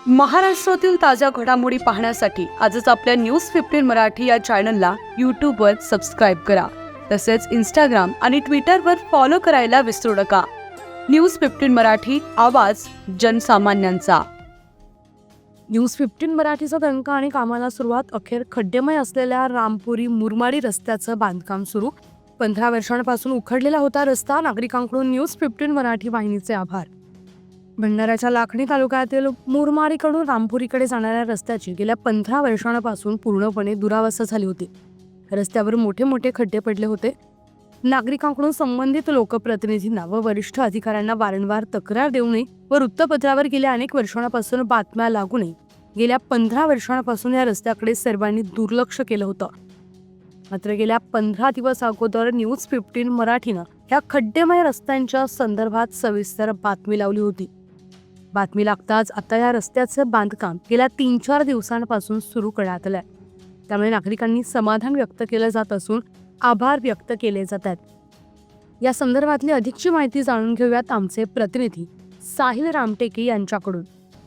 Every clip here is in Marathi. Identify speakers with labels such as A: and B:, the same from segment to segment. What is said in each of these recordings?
A: महाराष्ट्रातील ताज्या घडामोडी पाहण्यासाठी आजच आपल्या न्यूज 15 मराठी या चॅनलला यूट्यूबवर सबस्क्राईब करा. तसेच इंस्टाग्राम आणि ट्विटरवर फॉलो करायला विसरू नका. न्यूज 15 मराठी, आवाज जनसामान्यांचा. न्यूज 15 मराठीचा दणका आणि कामाला सुरुवात. अखेर खड्डेमय असलेल्या रामपुरी मुरमाडी रस्त्याचं बांधकाम सुरू. 15 वर्षांपासून उखडलेला होता रस्ता. नागरिकांकडून न्यूज 15 मराठी वाहिनीचे आभार. भंडाऱ्याच्या लाखणी तालुक्यातील मुरमाडीकडून रामपुरीकडे जाणाऱ्या रस्त्याची गेल्या 15 वर्षांपासून पूर्णपणे दुरावस्था झाली होती. रस्त्यावर मोठे मोठे खड्डे पडले होते. नागरिकांकडून संबंधित लोकप्रतिनिधींना व वरिष्ठ अधिकाऱ्यांना वारंवार तक्रार देऊनही व वृत्तपत्रावर गेल्या अनेक वर्षांपासून बातम्या लागूनही गेल्या 15 वर्षांपासून या रस्त्याकडे सर्वांनी दुर्लक्ष केलं होतं. मात्र गेल्या 15 दिवस अगोदर न्यूज 15 मराठीनं ह्या खड्डेमय रस्त्यांच्या संदर्भात सविस्तर बातमी लावली होती. बातमी लागताच आता या रस्त्याचं बांधकाम गेल्या 3-4 दिवसांपासून सुरू करण्यात आलंय. त्यामुळे नागरिकांनी समाधान व्यक्त केलं जात असून आभार व्यक्त केले जात आहेत. या संदर्भातली अधिकची माहिती जाणून घेऊयात आमचे प्रतिनिधी साहिल रामटेके यांच्याकडून.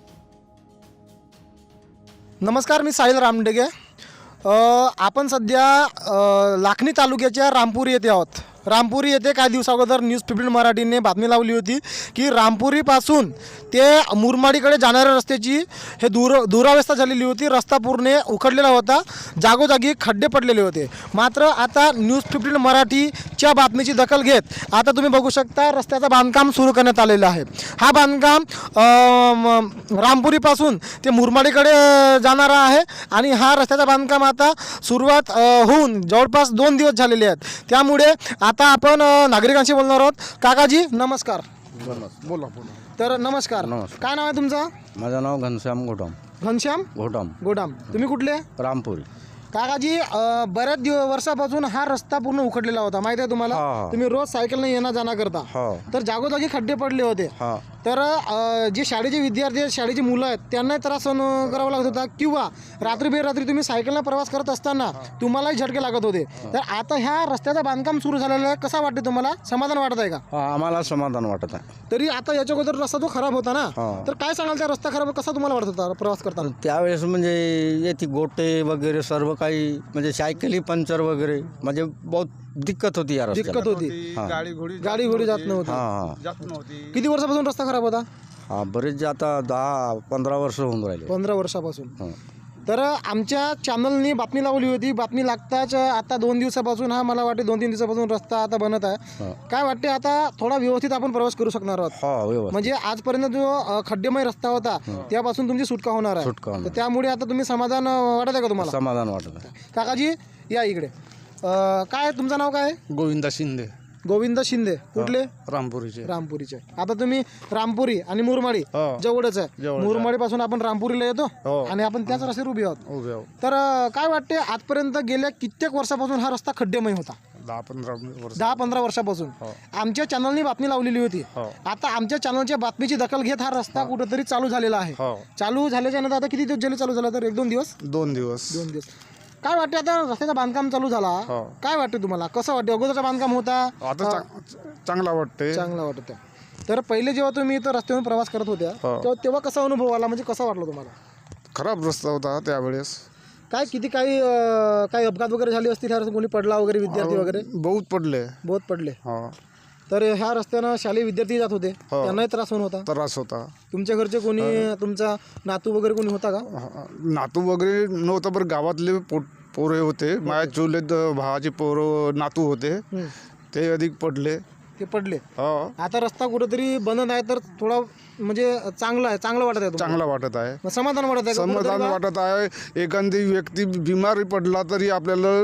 B: नमस्कार, मी साहिल रामटेके. आपण सध्या लाखणी तालुक्याच्या रामपुरी येथे आहोत. रामपुरी येथे काही दिवसाअगोदर न्यूज 15 मराठीने बातमी लावली होती की रामपुरीपासून ते मुरमाडीकडे जाणाऱ्या रस्त्याची हे दुरावस्था झालेली होती. रस्ता पूर्ण उखडलेला होता, जागोजागी खड्डे पडलेले होते. मात्र आता न्यूज 15 मराठीच्या बातमीची दखल घेत आता तुम्ही बघू शकता रस्त्याचं बांधकाम सुरू करण्यात आलेलं आहे. हा बांधकाम रामपुरीपासून ते मुरमाडीकडे जाणारा आहे आणि हा रस्त्याचं बांधकाम आता सुरुवात होऊन जवळपास 2 दिवस झालेले आहेत. त्यामुळे आता आपण नागरिकांशी बोलणार आहोत. काकाजी नमस्कार.
C: बोला.
B: तर नमस्कार. काय नाव आहे तुमचं?
C: माझं नाव घनश्याम
B: घनश्याम गोडाम. तुम्ही कुठले?
C: रामपुरी.
B: काकाजी, बऱ्याच वर्षापासून हा रस्ता पूर्ण उखडलेला होता, माहिती आहे तुम्हाला? तुम्ही रोज सायकलने येणं जाणं करता. तर जागोजागी खड्डे पडले होते. तर जे शाळेचे विद्यार्थी आहेत, शाळेची मुलं आहेत, त्यांनाही त्रास सहन करावा लागत होता किंवा रात्री बेरात्री तुम्ही सायकलने प्रवास करत असताना तुम्हालाही झटके लागत होते. तर आता ह्या रस्त्याचं बांधकाम सुरू झालेलं आहे. कसा वाटते तुम्हाला? समाधान वाटत आहे का?
C: आम्हाला समाधान वाटत आहे.
B: तरी आता याच्या अगोदर रस्ता जो खराब होता ना, तर काय सांगाल त्या रस्ता खराब कसा तुम्हाला वाटत होता प्रवास करताना?
C: त्यावेळेस म्हणजे येते गोटे वगैरे सर्व काही, म्हणजे सायकली पंक्चर वगैरे, म्हणजे बहुत दिक्कत होती या रस्त्याला.
B: दिक्कत होती. गाडी घोडी जात नव्हती. किती वर्षापासून रस्ता खराब होता?
C: बरेच आता 10-15 वर्ष होऊन राहिले.
B: 15 वर्षापासून. तर आमच्या चॅनलनी बातमी लावली होती. बातमी लागताच आता 2 दिवसापासून, हा मला वाटते 2-3 दिवसापासून रस्ता आता बनत आहे. काय वाटते आता थोडा व्यवस्थित आपण प्रवास करू शकणार आहोत? म्हणजे आजपर्यंत जो खड्डेमय रस्ता होता त्यापासून तुमची सुटका होणार आहे. तर त्यामुळे आता तुम्ही समाधान वाटत आहे का तुम्हाला?
C: समाधान वाटत आहे.
B: काकाजी या इकडे. काय तुमचं नाव काय? गोविंद शिंदे. कुठले? रामपुरीचे. आता तुम्ही रामपुरी आणि मुरमाडी जवळच आहे. मुरमाडी पासून आपण रामपुरीला येतो आणि आपण त्याच रस्त्यावर उभे आहोत. तर काय वाटते आजपर्यंत गेल्या कित्येक वर्षापासून हा रस्ता खड्डेमय होता? 10-15 वर्षापासून. आमच्या चॅनलनी बातमी लावलेली होती. आता आमच्या चॅनलच्या बातमीची दखल घेत हा रस्ता कुठेतरी चालू झालेला आहे. चालू झाल्याच्या नंतर आता किती दिवस झाले चालू झाला? तर 1-2 दिवस.
C: 2 दिवस.
B: काय वाटते आता रस्त्याचं बांधकाम चालू झाला, काय वाटते तुम्हाला? कसं वाटते? अगोदरचं बांधकाम होता
D: आता चांगला वाटते.
B: चांगला वाटत आहे. तर पहिले जेव्हा तुम्ही इथं रस्त्यावरून प्रवास करत होत्या तेव्हा कसा अनुभव आला, म्हणजे कसा वाटलं तुम्हाला?
D: खराब रस्ता होता त्यावेळेस.
B: काय किती काही अपघात वगैरे झाले असतील? ह्या कोणी पडला वगैरे, विद्यार्थी वगैरे?
D: बहुत पडले.
B: तर ह्या रस्त्यानं शालेय विद्यार्थी जात होते, त्यांनाही त्रास होता. तुमच्या घरचे कोणी, तुमचा नातू वगैरे कोणी होता का?
D: नातू वगैरे नव्हतं, बरं गावातले पोरे होते. माझ्या चुलत भावाचे पोरं नातू होते, ते अधिक पडले. आता रस्ता कुठेतरी बनत आहे, तर थोडा म्हणजे चांगलं वाटत आहे. चांगला वाटत आहे.
B: समाधान वाटत आहे.
D: समाधान वाटत आहे. एखादी व्यक्ती बिमारी पडला तरी आपल्याला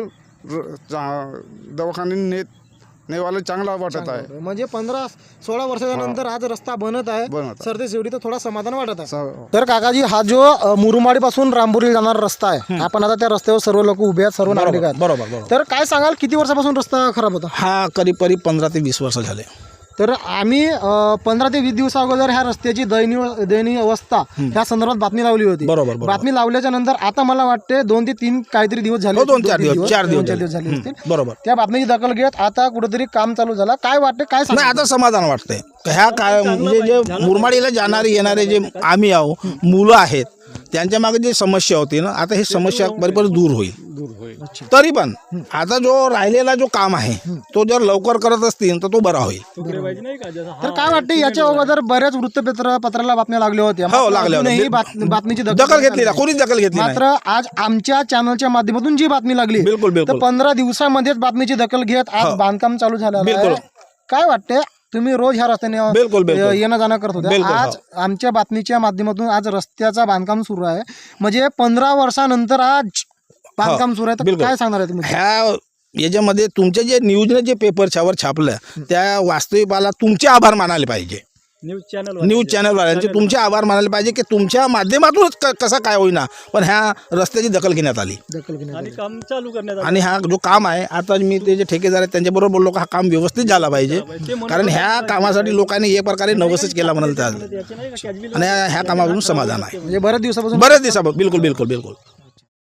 D: दवाखान्यात नेवायला चांगला वाटत आहे.
B: म्हणजे 15-16 वर्षाच्या नंतर आज रस्ता बनत आहे. सरते शेवटी तर थोडा समाधान वाटत आहे. तर काकाजी, हा जो मुरमाडी पासून रामपुरी जाणारा रस्ता आहे, आपण आता त्या रस्त्यावर सर्व लोक उभे आहेत, सर्व नागरिक आहेत.
E: बरोबर.
B: तर काय सांगाल किती वर्षापासून रस्ता खराब होता?
E: हा करीब 15 ते 20 वर्ष झाले.
B: तर आम्ही 15 ते 20 दिवसा अगोदर ह्या रस्त्याची दयनीय अवस्था ह्या संदर्भात बातमी लावली होती.
E: बरोबर.
B: बातमी लावल्याच्या नंतर आता मला वाटते 2 ते 3 काहीतरी दिवस झाले,
E: 2-4 दिवस, 4 दिवस
B: झाले असतील.
E: बरोबर.
B: त्या बातमीची दखल घेत आता कुठेतरी काम चालू झालं. काय वाटते, काय
E: नाही,
B: सांगा?
E: आता समाधान वाटतंय. ह्या काय म्हणजे जे मुरमाडीला जाणारे येणारे जे आम्ही आहो, मुलं आहेत, त्यांच्या मागे जी समस्या होती ना, आता ही समस्या बरोबर दूर होईल. तरी पण आता जो राहिलेला जो काम आहे तो जर लवकर करत असतील तर तो बरा होईल.
B: तर काय वाटते, याच्या अगोदर बऱ्याच वृत्तपत्राला बातम्या लागल्या होत्या.
E: हो, लागल्या होत्या.
B: अजूनही बातमीची
E: दखल घेतली ना, कोणीच दखल घेतली नाही.
B: मात्र आज आमच्या चॅनलच्या माध्यमातून जी बातमी लागली,
E: बिलकुल,
B: तर
E: बिलकुल.
B: 15 दिवसामध्येच बातमीची दखल घेत आज बांधकाम चालू झालं
E: बिलकुल.
B: आहे. काय वाटते, तुम्ही रोज ह्या रस्त्याने
E: बिलकुल, बिलकुल.
B: येणं जाणं करत होते,
E: बिलकुल,
B: आज आमच्या बातमीच्या माध्यमातून आज रस्त्याचा बांधकाम सुरू आहे, म्हणजे 15 वर्षानंतर आज बांधकाम सुरू आहे. तर
E: बिलकुल.
B: काय सांगणार आहे तुम्ही?
E: ह्या याच्यामध्ये तुमचे जे न्यूजने जे पेपरच्यावर छापलं त्या वास्तविकाला तुमचे आभार मानायला पाहिजे. न्यूज चॅनलवाल्यांचे तुमचे आभार मानायला पाहिजे की तुमच्या माध्यमातूनच कसं काय होईना पण ह्या रस्त्याची दखल घेण्यात आली आणि हा जो काम आहे आता मी ते जे ठेकेदार आहेत त्यांच्याबरोबर बोललो का हा काम व्यवस्थित झाला पाहिजे, कारण ह्या कामासाठी लोकांनी एक प्रकारे नवसच केला म्हणाल आणि ह्या कामापासून समाधान आहे.
B: म्हणजे बऱ्याच दिवसापासून
E: बिलकुल बिलकुल बिलकुल.